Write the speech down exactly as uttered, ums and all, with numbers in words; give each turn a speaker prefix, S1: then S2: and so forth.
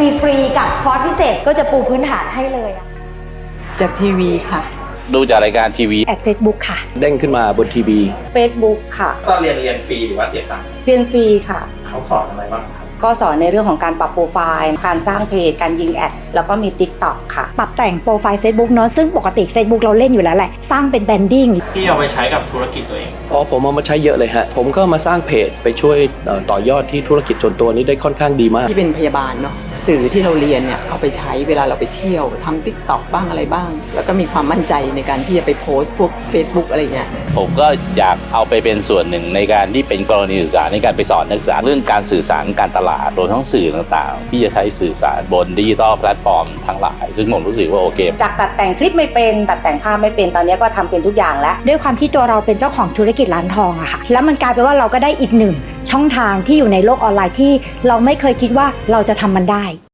S1: ฟรีกับคอร์สพิเศษก็จะปูพื้นฐานให้เลยอะ
S2: จากทีวีค่ะ
S3: ดูจากรายการทีวี
S1: แอด Facebook ค่ะ
S4: เด้งขึ้นมาบนทีวี
S5: Facebook ค่ะ
S6: ตอนเรียนเรียนฟรีหรือว่าเสียตังค์
S5: เรียนฟรีค่ะ
S6: เขาสอนอะไรบ้างครับ
S5: ก็สอนในเรื่องของการปรับโปรไฟล์การสร้างเพจการยิงแอดแล้วก็มี TikTok ค่ะ
S1: ปรับแต่งโปรไฟล์ Facebook เนาะซึ่งปกติ Facebook เราเล่นอยู่แล้วแหละสร้างเป็นแบรนดิ้ง
S6: ที่เอาไปใช้กับธุรกิจตัวเอง
S4: อ๋อผมเอามาใช้เยอะเลยฮะผมก็มาสร้างเพจไปช่วยต่อยอดที่ธุรกิจส่วนตัวนี้ได้ค่อนข้างดีมาก
S2: ที่เป็นพยาบาลเนาะสื่อที่เราเรียนเนี่ยเอาไปใช้เวลาเราไปเที่ยวทำ TikTok บ้างอะไรบ้างแล้วก็มีความมั่นใจในการที่จะไปโพสต์พวก Facebook อะไรเงี้ย
S3: ผมก็อยากเอาไปเป็นส่วนหนึ่งในการที่เป็นกรณีศึกษาในการไปสอนนักศึกษาเรื่องการสื่อสารการตลาดรวมทั้งสื่อต่างๆที่จะใช้สื่อสารบนดิจิทัลแพลตฟอร์มทั้งหลายซึ่งผมรู้สึกว่าโอเค
S5: จากตัดแต่งคลิปไม่เป็นตัดแต่งภาพไม่เป็นตอนนี้ก็ทำเป็นทุกอย่างแล้ว
S1: ด้วยความที่ตัวเราเป็นเจ้าของธุรกิจร้านทองอะค่ะแล้วมันกลายเป็นว่าเราก็ได้อีกหนึ่งช่องทางที่อยู่ในโลกออนไลน์ที่เราไม่เคยคิดว่าเราจะทำมันได้